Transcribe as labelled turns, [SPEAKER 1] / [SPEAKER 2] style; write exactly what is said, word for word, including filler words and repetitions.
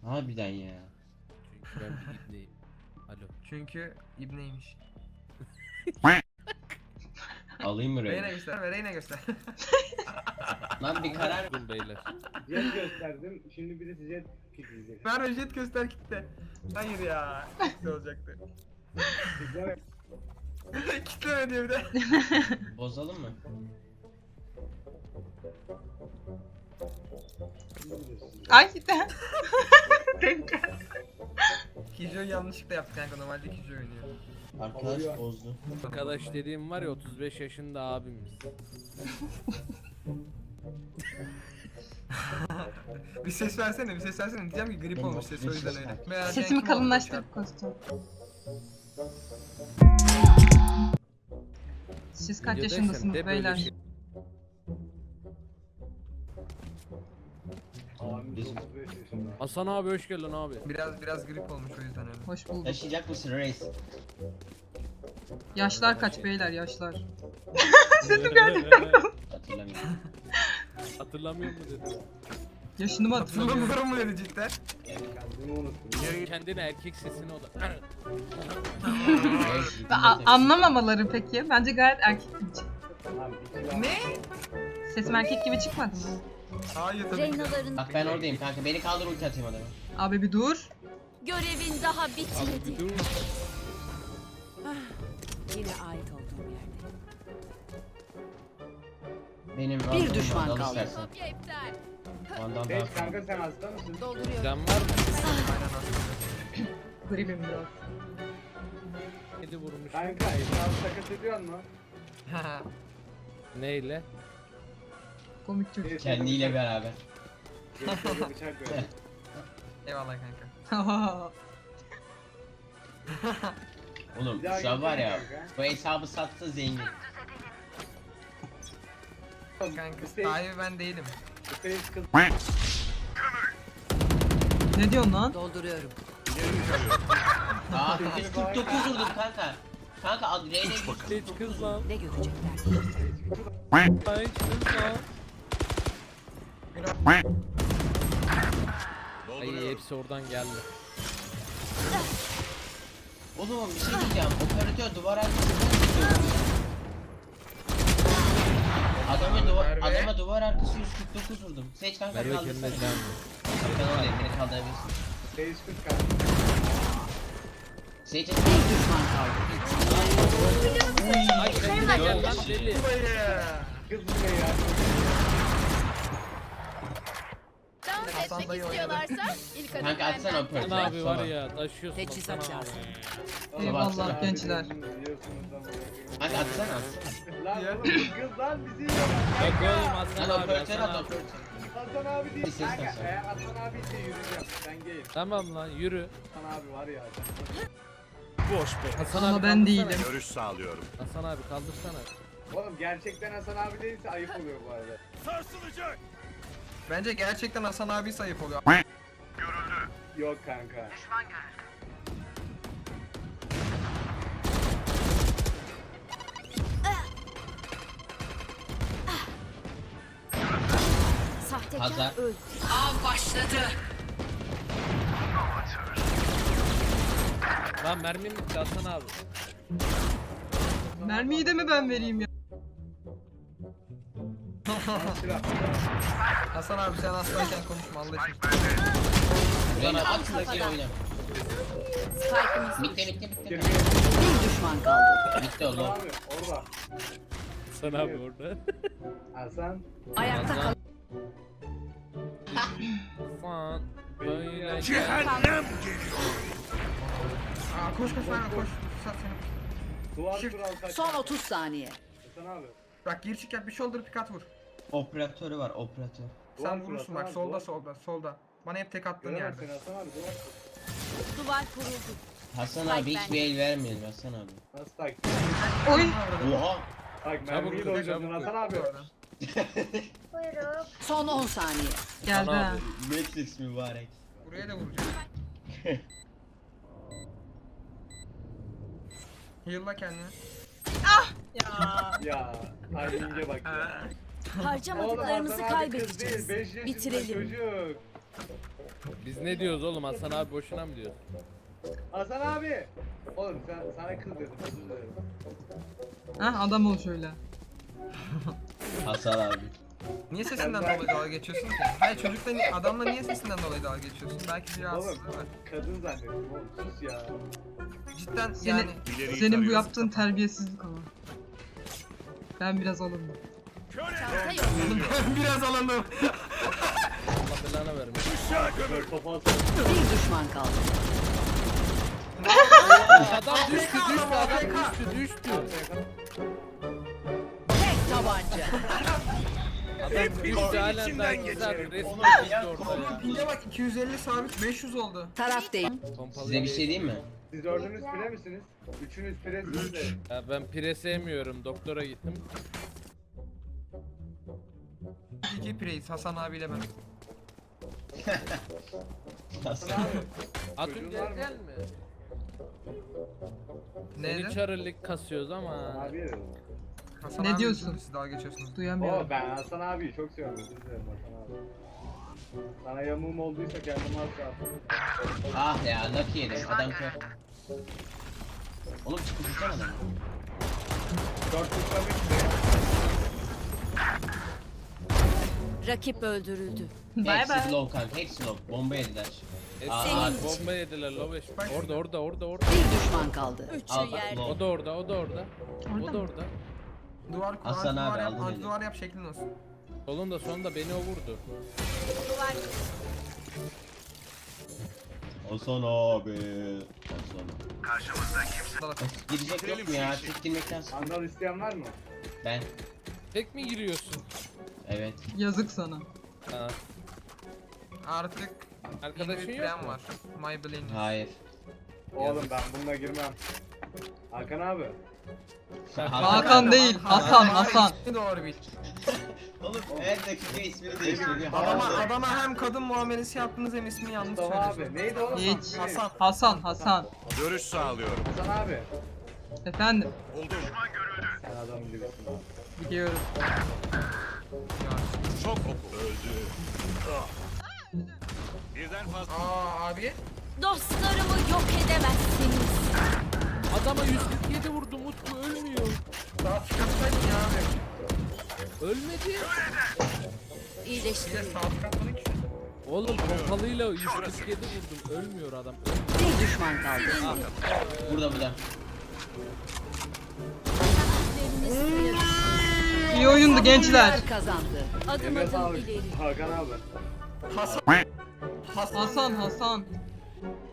[SPEAKER 1] Harbiden ya.
[SPEAKER 2] Çünkü ben bir ibneyim. Alo.
[SPEAKER 3] Çünkü ibneymiş.
[SPEAKER 1] Alayım mı
[SPEAKER 3] Reyna
[SPEAKER 1] Reyna?
[SPEAKER 3] göster ve Reyna göster.
[SPEAKER 1] Lan bir karar.
[SPEAKER 2] Durun beyler.
[SPEAKER 4] Jet gösterdim. Şimdi birisi jet pikleyecek.
[SPEAKER 3] Ver jet göster kitle. Hayır ya. Kitle olacaktı.
[SPEAKER 4] Güzel.
[SPEAKER 3] Kitleme diyor bir de.
[SPEAKER 1] Bozalım mı?
[SPEAKER 5] Ay gitti.
[SPEAKER 3] Kijo'yu yanlışlıkla yaptık kanka, normalde Kijo oynuyor.
[SPEAKER 1] Arkadaş bozdu.
[SPEAKER 2] Arkadaş dediğim var ya otuz beş yaşında abimiz.
[SPEAKER 3] Bir ses versene, bir ses versene. Diyeceğim ki grip
[SPEAKER 1] Benim
[SPEAKER 3] olmuş ses, o yüzden öyle. Meğer
[SPEAKER 5] Sesimi
[SPEAKER 3] Cenk kim
[SPEAKER 5] kalınlaştırıp kostüm. Siz kaç
[SPEAKER 2] Videodayken
[SPEAKER 5] yaşındasınız
[SPEAKER 2] de böyle
[SPEAKER 5] beyler?
[SPEAKER 2] şey-
[SPEAKER 4] Abimiz
[SPEAKER 1] Biz-
[SPEAKER 4] otuz beş yaşında.
[SPEAKER 2] Hasan abi hoş geldin abi.
[SPEAKER 3] olmuş. Biraz biraz grip olmuş, o yüzden öyle.
[SPEAKER 5] Hoş bulduk.
[SPEAKER 1] Taşıyacak mısın reis?
[SPEAKER 5] Yaşlar kaç beyler, yaşlar?
[SPEAKER 1] Hatırlamıyorum.
[SPEAKER 2] Hatırlamıyor mu dedi.
[SPEAKER 5] Yaşını mı hatırlamıyorum?
[SPEAKER 3] Hatırlamıyorum mu dedi cidden?
[SPEAKER 4] Kendimi unuttum.
[SPEAKER 2] Kendine erkek sesini o da.
[SPEAKER 1] Reis,
[SPEAKER 5] Ve a- anlamamaları peki? Bence gayet erkek gibi çıktı.
[SPEAKER 4] Tamam, bir kilo-
[SPEAKER 3] Ne?
[SPEAKER 5] Sesim erkek gibi çıkmadı mı?
[SPEAKER 3] Hayır tabii ki.
[SPEAKER 6] Reynaların
[SPEAKER 1] Bak ben oradayım kanka. Beni kaldır ulti atayım adama.
[SPEAKER 5] Abi bir dur.
[SPEAKER 6] görevin daha
[SPEAKER 2] Abi bir
[SPEAKER 6] bitmedi.
[SPEAKER 2] dur.
[SPEAKER 6] Yine ait olduğum yerde.
[SPEAKER 1] Benim
[SPEAKER 6] Bir düşman
[SPEAKER 1] Vandal'ı
[SPEAKER 6] kaldı.
[SPEAKER 1] istersen. Vandal daha
[SPEAKER 4] Beş kanka sen hasta mısın?
[SPEAKER 6] Dolduruyorum.
[SPEAKER 2] Can var mı?
[SPEAKER 3] Aynen aslında.
[SPEAKER 5] Gribim biraz.
[SPEAKER 2] Kedi vurmuş.
[SPEAKER 4] Kanka etrafı takas ediyor mu?
[SPEAKER 2] Neyle?
[SPEAKER 5] Komik çocuk.
[SPEAKER 1] Kendiyle beraber.
[SPEAKER 4] Böyle bıçak ver.
[SPEAKER 3] Eyvallah kanka.
[SPEAKER 1] Oğlum
[SPEAKER 4] Bir daha
[SPEAKER 1] şu an var ya.
[SPEAKER 4] gelsene kanka.
[SPEAKER 1] Bu hesabı satsa zengin.
[SPEAKER 3] Kanka
[SPEAKER 4] Hüseyin-
[SPEAKER 3] sahibi ben değilim.
[SPEAKER 4] Hüseyin kız.
[SPEAKER 5] Ne diyorsun lan?
[SPEAKER 6] Dolduruyorum.
[SPEAKER 1] Aa yüz kırk dokuz vurdum kanka. Kanka ad Reyna yüz kırk
[SPEAKER 2] Hiç kız lan.
[SPEAKER 6] Ne görecekler?
[SPEAKER 2] Hiç kız lan. Ay hepsi oradan geldi.
[SPEAKER 1] Oğlum bir şey diyeceğim. Operatör duvar arkasından tutuyor. Adama duvar,
[SPEAKER 3] Merve.
[SPEAKER 1] adama duvar arkası yüz kırk dokuz vurdum. Seç kanka
[SPEAKER 2] Merve
[SPEAKER 1] kaldırsana.
[SPEAKER 2] kendine can.
[SPEAKER 1] Ben oradayım, beni kaldırabilirsin.
[SPEAKER 4] Hüseyin kız kanka.
[SPEAKER 1] Seç
[SPEAKER 6] Bir düşman kaldı.
[SPEAKER 2] Ay kendine gel lan deli.
[SPEAKER 4] Kız bu ne ya?
[SPEAKER 7] Dans
[SPEAKER 3] Hasan
[SPEAKER 7] etmek
[SPEAKER 3] dayı
[SPEAKER 7] istiyorlarsa ilk adım
[SPEAKER 1] Kanka atsana
[SPEAKER 7] benden.
[SPEAKER 1] operatör.
[SPEAKER 2] Hasan abi var
[SPEAKER 1] sola.
[SPEAKER 2] ya taşıyorsun
[SPEAKER 6] Teçhizat
[SPEAKER 2] Hasan abi.
[SPEAKER 6] lazım.
[SPEAKER 5] Eyvallah
[SPEAKER 4] Abi
[SPEAKER 5] gençler.
[SPEAKER 4] diyorsunuz, diyorsunuz ama.
[SPEAKER 1] Kanka atsana atsana.
[SPEAKER 4] Lan oğlum bu kız lan bizi yiyor.
[SPEAKER 2] Yok oğlum Hasan
[SPEAKER 1] Lan
[SPEAKER 2] abi
[SPEAKER 1] operatör
[SPEAKER 2] Hasan
[SPEAKER 1] at
[SPEAKER 2] abi.
[SPEAKER 1] operatör.
[SPEAKER 4] Hasan abi değil.
[SPEAKER 1] İstersen
[SPEAKER 4] Kanka
[SPEAKER 1] sen.
[SPEAKER 4] eğer Hasan abi ise yürüyeceğim. Ben gayim.
[SPEAKER 2] Tamam lan yürü.
[SPEAKER 4] Hasan abi var ya.
[SPEAKER 8] Boş be.
[SPEAKER 2] Hasan
[SPEAKER 5] Ama
[SPEAKER 2] abi
[SPEAKER 5] ben
[SPEAKER 2] kaldırsana.
[SPEAKER 5] değilim.
[SPEAKER 8] Görüş sağlıyorum.
[SPEAKER 2] Hasan abi kaldırsana.
[SPEAKER 4] Oğlum gerçekten Hasan abi değilse ayıp oluyor bu arada.
[SPEAKER 8] Sarsılacak.
[SPEAKER 3] Bence gerçekten Hasan abi sayıp oluyor.
[SPEAKER 4] Yok kanka.
[SPEAKER 6] Sahtekar
[SPEAKER 1] Hazar.
[SPEAKER 6] öldü.
[SPEAKER 5] Av başladı.
[SPEAKER 2] Lan mermim bitti Hasan abi.
[SPEAKER 5] Mermiyi de mi ben vereyim ya?
[SPEAKER 4] Silah.
[SPEAKER 3] Hasan abi sen hastayken konuşma Allah için.
[SPEAKER 1] Reyna at şuradaki oyna.
[SPEAKER 6] Spike'ımız
[SPEAKER 1] Bitti bitti bitti.
[SPEAKER 4] Kirpi.
[SPEAKER 6] bir düşman kaldı.
[SPEAKER 1] Bitti
[SPEAKER 4] Hasan
[SPEAKER 1] oğlum.
[SPEAKER 4] abi orada.
[SPEAKER 2] Hasan abi orada.
[SPEAKER 4] Hasan.
[SPEAKER 6] Ayakta kal.
[SPEAKER 2] Hasan. Böyle
[SPEAKER 8] Cehennem.
[SPEAKER 3] Aa koş koş lan koş. Sat seni.
[SPEAKER 4] Duvar
[SPEAKER 3] Shift.
[SPEAKER 4] kural kaç.
[SPEAKER 6] Son otuz saniye.
[SPEAKER 4] Hasan abi.
[SPEAKER 3] Bak gir çık yap, bir shoulder pick at vur.
[SPEAKER 1] Operatörü var operatör.
[SPEAKER 4] Duvar
[SPEAKER 3] Sen
[SPEAKER 4] kur
[SPEAKER 3] vurursun
[SPEAKER 4] Hasan
[SPEAKER 3] bak
[SPEAKER 4] abi,
[SPEAKER 3] solda
[SPEAKER 4] duvar.
[SPEAKER 3] solda solda. Bana hep tek attığın
[SPEAKER 4] Göremez
[SPEAKER 3] yerde.
[SPEAKER 4] seni Hasan abi duvar kur.
[SPEAKER 6] Duvar kuruldu.
[SPEAKER 1] Hasan abi hiç bir el vermeyelim Hasan abi.
[SPEAKER 4] Nasıl tak?
[SPEAKER 5] Oy.
[SPEAKER 1] Oha.
[SPEAKER 4] Bak mermiyi de
[SPEAKER 2] vur,
[SPEAKER 4] oynadın
[SPEAKER 2] çabuk
[SPEAKER 4] Hasan abi.
[SPEAKER 6] Son on saniye.
[SPEAKER 5] Geldi ha.
[SPEAKER 1] Matrix mübarek.
[SPEAKER 3] Buraya da vuracağım. Heal'la kendini.
[SPEAKER 4] Ya. Timing'e bak ya.
[SPEAKER 6] Harcamadıklarımızı
[SPEAKER 4] Oğlum Hasan abi kız değil,
[SPEAKER 6] kaybedeceğiz.
[SPEAKER 4] beş yaşında
[SPEAKER 6] Bitirelim.
[SPEAKER 4] çocuk.
[SPEAKER 2] Biz ne diyoruz oğlum, Hasan abi boşuna mı diyoruz?
[SPEAKER 4] Hasan abi. Oğlum sen sana kız dedim. Özür dilerim.
[SPEAKER 5] Ha adam ol şöyle.
[SPEAKER 1] Hasan abi.
[SPEAKER 3] Niye sesinden dolayı dalga geçiyorsun ki? Hayır çocukla ni- adamla niye sesinden dolayı dalga geçiyorsun? Belki bir rahatsızlığı var.
[SPEAKER 4] Kadın zannettim oğlum. Sus ya.
[SPEAKER 3] Cidden
[SPEAKER 5] Seni-
[SPEAKER 3] yani
[SPEAKER 8] İleriyi
[SPEAKER 5] Senin bu
[SPEAKER 8] tarıyoruz.
[SPEAKER 5] yaptığın terbiyesizlik ama. Ben biraz alındım.
[SPEAKER 7] Çanta yok.
[SPEAKER 3] biraz alındım.
[SPEAKER 2] Allah belanı vermiş.
[SPEAKER 8] Uşağı gömül.
[SPEAKER 4] Böyle kafa atsana.
[SPEAKER 6] Bir düşman kaldı.
[SPEAKER 2] Adam düştü düştü adam düştü düştü.
[SPEAKER 6] Tek tabanca.
[SPEAKER 2] Adam düştü halen
[SPEAKER 8] içinden
[SPEAKER 2] daha
[SPEAKER 8] geçerim.
[SPEAKER 2] güzel resmi
[SPEAKER 1] Oğlum,
[SPEAKER 2] düştü
[SPEAKER 1] ya,
[SPEAKER 2] orada
[SPEAKER 3] Oğlum
[SPEAKER 2] ya.
[SPEAKER 3] pinge bak iki yüz elli sabit beş yüz oldu.
[SPEAKER 6] Taraf değil.
[SPEAKER 2] Pompalı
[SPEAKER 1] Size bir şey diyeyim mi?
[SPEAKER 4] Siz dördünüz pire misiniz? Üçünüz piresiniz de.
[SPEAKER 2] Ya ben pire sevmiyorum, doktora gittim.
[SPEAKER 3] İki preyiz Hasan abiyle ben.
[SPEAKER 1] Hasan
[SPEAKER 4] Hasan
[SPEAKER 1] abi.
[SPEAKER 4] abi.
[SPEAKER 2] Atın
[SPEAKER 4] Çocuğun
[SPEAKER 2] gel
[SPEAKER 4] var mı?
[SPEAKER 2] gel mi?
[SPEAKER 3] Neydi?
[SPEAKER 2] Seni çarılık kasıyoruz ama.
[SPEAKER 4] Hasan abi dedim.
[SPEAKER 3] Hasan
[SPEAKER 5] Ne
[SPEAKER 3] abi
[SPEAKER 5] diyorsun?
[SPEAKER 3] üzüldü, siz dalga geçiyorsunuz.
[SPEAKER 5] Duyamıyorum.
[SPEAKER 4] Oo ben Hasan abiyi çok seviyorum. Özür dilerim Hasan abi. Sana yamuğum olduysa kendimi asla atmam.
[SPEAKER 1] Ah ya lucky yedim. Adam kör. Oğlum çıkıp tutsana adamı.
[SPEAKER 4] Dört tutlamış mı?
[SPEAKER 6] Rakip öldürüldü.
[SPEAKER 5] Bay
[SPEAKER 1] Hepsi
[SPEAKER 5] bay.
[SPEAKER 1] low kanka. Hepsi low. Bomba yediler. Aa,
[SPEAKER 2] Aa,
[SPEAKER 1] aa,
[SPEAKER 2] bomba yediler lobeş. Orada orada orada orada.
[SPEAKER 6] Bir düşman kaldı.
[SPEAKER 7] Üçü
[SPEAKER 1] al,
[SPEAKER 7] yerde.
[SPEAKER 2] O da orada o da orada.
[SPEAKER 5] Orada
[SPEAKER 2] O da
[SPEAKER 5] mı?
[SPEAKER 2] orada.
[SPEAKER 3] Duvar kur,
[SPEAKER 1] Hasan
[SPEAKER 3] duvar
[SPEAKER 1] abi,
[SPEAKER 3] yap,
[SPEAKER 1] aldın
[SPEAKER 3] anti
[SPEAKER 1] eli.
[SPEAKER 3] duvar yap şeklin olsun.
[SPEAKER 2] Solunda sonunda beni o vurdu.
[SPEAKER 7] Duvar.
[SPEAKER 1] Hasan abi. Hasan.
[SPEAKER 3] Dalak.
[SPEAKER 1] Girecek yok mu ya? Tek girmekten sıkıldım.
[SPEAKER 4] Andal isteyen var mı?
[SPEAKER 1] Ben.
[SPEAKER 2] Tek mi giriyorsun?
[SPEAKER 1] Evet.
[SPEAKER 5] Yazık sana.
[SPEAKER 2] Ha.
[SPEAKER 3] Artık
[SPEAKER 2] Arkadaşın
[SPEAKER 3] yeni bir
[SPEAKER 2] yok
[SPEAKER 3] plan
[SPEAKER 2] mu?
[SPEAKER 3] var. My Blaney.
[SPEAKER 1] Hayır.
[SPEAKER 4] Oğlum ben bununla girmem. Hakan abi.
[SPEAKER 5] Hakan değil, Hasan, Hasan.
[SPEAKER 3] İsmi doğru bil.
[SPEAKER 1] Oğlum her dakika ismini değiştiriyor.
[SPEAKER 3] Adama,
[SPEAKER 1] Hasan.
[SPEAKER 3] adama hem kadın muamelesi yaptınız hem ismini yanlış
[SPEAKER 4] Mustafa abi.
[SPEAKER 3] söylüyorsun.
[SPEAKER 4] Neydi oğlum?
[SPEAKER 5] Hiç.
[SPEAKER 4] İsmi neydi?
[SPEAKER 3] Hasan.
[SPEAKER 5] Hasan, Hasan.
[SPEAKER 8] Görüş sağlıyorum.
[SPEAKER 4] Hasan abi.
[SPEAKER 5] Efendim,
[SPEAKER 8] Buldum.
[SPEAKER 4] Sen adam gibisin abi.
[SPEAKER 5] biliyorum.
[SPEAKER 8] Çok oku. Öldü. Ah. Birden fazla.
[SPEAKER 3] Aa abi.
[SPEAKER 7] Dostlarımı yok edemezsiniz.
[SPEAKER 2] Adama yüz kırk yedi vurdu, Mutlu ölmüyor.
[SPEAKER 3] Daha çıkartsaydın ya abi.
[SPEAKER 2] Ölmedi.
[SPEAKER 3] Bir de
[SPEAKER 7] İyileştirin.
[SPEAKER 3] saat çıkartmadın ki.
[SPEAKER 2] Oğlum pompalıyla yüz kırk yedi vurdum, ölmüyor adam.
[SPEAKER 6] Bir düşman kaldı.
[SPEAKER 1] Burada burada.
[SPEAKER 7] Üzeriniz kıyır.
[SPEAKER 5] İyi oyundu gençler.
[SPEAKER 6] Bunlar kazandı.
[SPEAKER 7] Adım
[SPEAKER 4] Eline
[SPEAKER 7] adım
[SPEAKER 4] sağlık.
[SPEAKER 7] ileri.
[SPEAKER 4] Hakan abi.
[SPEAKER 3] Hasan. Hasan.
[SPEAKER 5] Hasan, Hasan.